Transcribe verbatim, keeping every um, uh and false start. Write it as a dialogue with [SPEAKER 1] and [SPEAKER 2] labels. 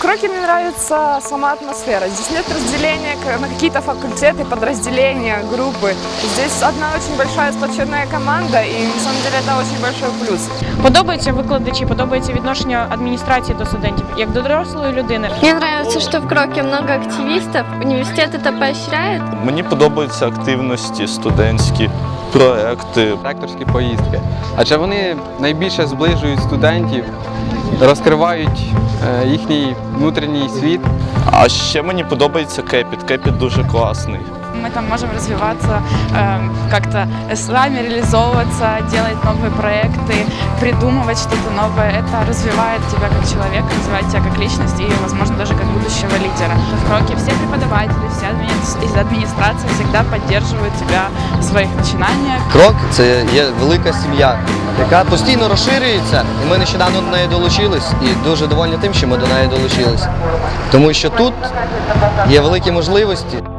[SPEAKER 1] Кроки мне нравится сама атмосфера. Здесь нет разделения на какие-то факультеты, подразделения, группы. Здесь одна очень большая сплоченная команда, и на самом деле это очень большой плюс.
[SPEAKER 2] Подобаються викладачі, подобається відношення адміністрації до студентів, як до дорослої людини.
[SPEAKER 3] Мне нравится, что в Кроке много активистов, университет это поощряет.
[SPEAKER 4] Мені подобаються активності, студентські проекти.
[SPEAKER 5] Ректорські поїздки, адже вони найбільше зближують студентів, розкривають е, їхній внутрішній світ.
[SPEAKER 4] А ще мені подобається Кепіт. Кепіт дуже класний.
[SPEAKER 1] Мы там можем развиваться, э, как-то сами реализовываться, делать новые проекты, придумывать что-то новое. Это развивает тебя как человека, развивает тебя как личность и, возможно, даже как будущего лидера. В Кроке все преподаватели, вся из администрации всегда поддерживают тебя в своих начинаниях.
[SPEAKER 6] Крок – це є велика сім'я, яка постійно розширюється, і ми нещодавно до неї долучились, і дуже довольні тим, що ми до неї долучились. Тому що тут є великі можливості.